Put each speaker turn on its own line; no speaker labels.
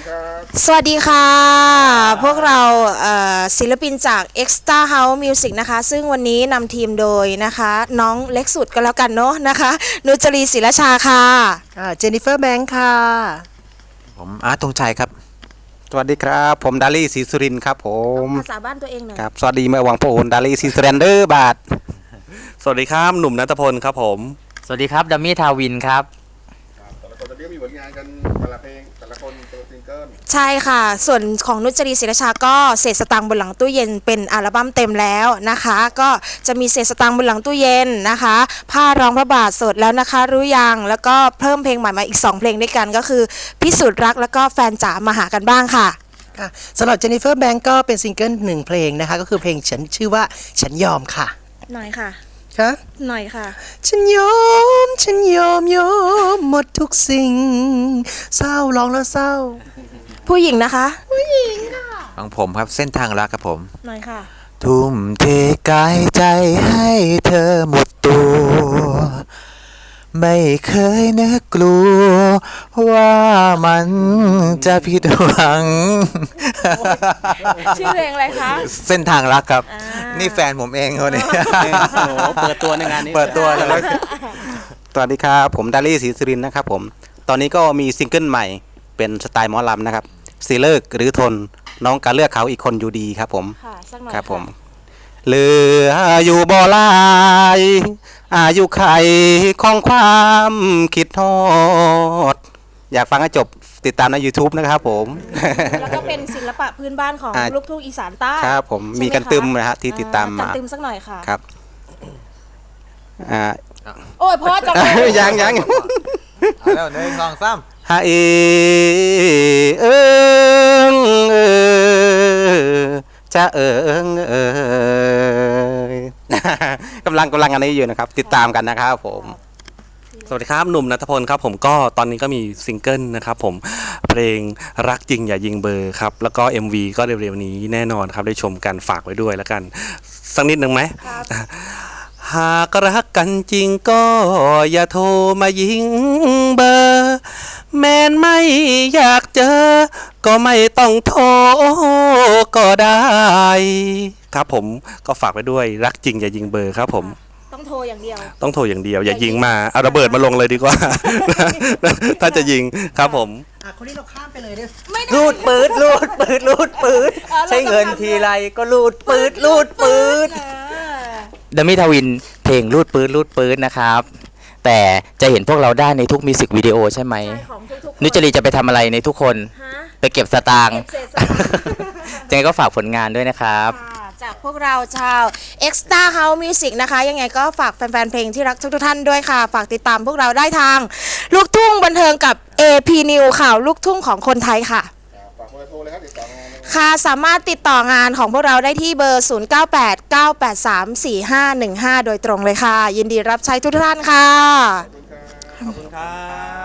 สวัสดีค่ะพวกเราศิลปินจาก Extra House Music นะคะซึ่งวันนี้นำทีมโดยนะคะน้องเล็กสุดก็แล้วกันเนาะนะคะนุจรีศิลชาค่ะ
เจนนิเฟอร์แบงค์ค่ะ
ผมอาร์ตธงชัยครับสวัสดีครับผมดาลี่ศรีสุรินทร์ครับผม
ภาษาบ้านตัวเองหน่อย
ครับสวัสดีเมื่อวังโพนดาลี่ศรีสุรินทร์เดอร์บาท
สวัสดีครับหนุ่มณัฐพลครับผม
สวัสดีครับดัมมี่ทาวินครับ
แต่ละคนตอนนี้มีผลงานกันแต่ละเพลงแต่ละคนตัวซิงเกิล
ใช่ค่ะส่วนของนุจรีศิลชาก็เศษสตังค์บนหลังตู้เย็นเป็นอัลบั้มเต็มแล้วนะคะก็จะมีเศษสตังค์บนหลังตู้เย็นนะคะผ้าร้องพระบาทสดแล้วนะคะรู้ยังแล้วก็เพิ่มเพลงใหม่มาอีก2เพลงด้วยกันก็คือพิสูจน์รักแล้วก็แฟนจ๋ามาหากันบ้างค่ะ
สำหรับเจนนิเฟอร์แบงค์ก็เป็นซิงเกิล1เพลงนะคะก็คือเพลงฉันชื่อว่าฉันยอมค่ะ
หน่อยค่ะหน่อยค่ะ
ฉันยอมหมดทุกสิ่งเศร้าร้องแล้วเศร้า
ผู้หญิงนะคะ
ผู้หญิงค่ะ
ของผมครับเส้นทางรักครับผม
หน่อยค่ะ
ทุ่มเทกายใจให้เธอหมดตัวไม่เคยนึกกลัวว่ามันจะผิดหวัง
ชื่อเพลงอะไรคะ
เส้นทางรักครับนี่แฟนผมเองคนนี้
เปิดตัวในงานนี้
เปิดตัวแล้วสวัสดีครับผมดาลี่ศรีสุรินทร์นะครับผมตอนนี้ก็มีซิงเกิลใหม่เป็นสไตล์หมอลำนะครับสิเลิกหรือทนน้องการเลือกเขาอีกคนอยู่ดีครับผมครับผมเหลืออยู่บ่หลายอายุไขของความคิดทอดอยากฟังให้จบติดตามใน YouTube นะครับผม
แล้วก็เป็นศิลปะพื้นบ้านของลูกทุ่งอีสานใต้
ครับผมมีกันตึมนะฮะที่ติดตามมา
กันตึมสักหน่อยค่ะ
ครับ
โอ้ยพ่อจับ
ยัง
แล้ว1 2 3
ฮาจะกำลังอันนี้อยู่นะครับติดตามกันนะครับผม
สวัสดีครับหนุ่มณัฐพลครับผมก็ตอนนี้ก็มีซิงเกิลนะครับผมเพลงรักจริงอย่ายิงเบอร์ครับแล้วก็ MV ก็เร็วๆนี้แน่นอนครับได้ชมกันฝากไว้ด้วยแล้วกันสักนิดนึงไหมหากรักกันจริงก็อย่าโทรมายิงเบอร์แม้นไม่อยากเจอก็ไม่ต้องโทรก็ได้ครับผมก็ฝากไว้ด้วยรักจริงอย่ายิงเบอร์ครับผม
ต้องโทรอย่างเดียว
อย่ายิงมาเอาระเบิดมาลงเลยดีกว่าถ้าจะยิงครับผม
คนนี้เราข้ามไปเลย
เนี่ยรูดปืดใช้เงินทีไรก็รูดปืดดัมมี่ทาวินเพลงรูดปืดนะครับแต่จะเห็นพวกเราได้ในทุกมิวสิกวิดีโอใช่ไหมนุจรีจะไปทำอะไรในทุกคนไปเก็บสตางค์ยังไงก็ฝากผลงานด้วยนะครับ
จากพวกเราชาว Extra House Music นะคะยังไงก็ฝากแฟนๆเพลงที่รักทุกท่านด้วยค่ะฝากติดตามพวกเราได้ทางลูกทุ่งบันเทิงกับ AP New ข่าวลูกทุ่งของคนไทยค่ะ
ฝากเบอร์โทรเลยครับติดต่องาน
ค่ะสามารถติดต่องานของพวกเราได้ที่เบอร์ 0989834515 โดยตรงเลยค่ะยินดีรับใช้ทุกท่านค่ะ
ขอบคุณครับ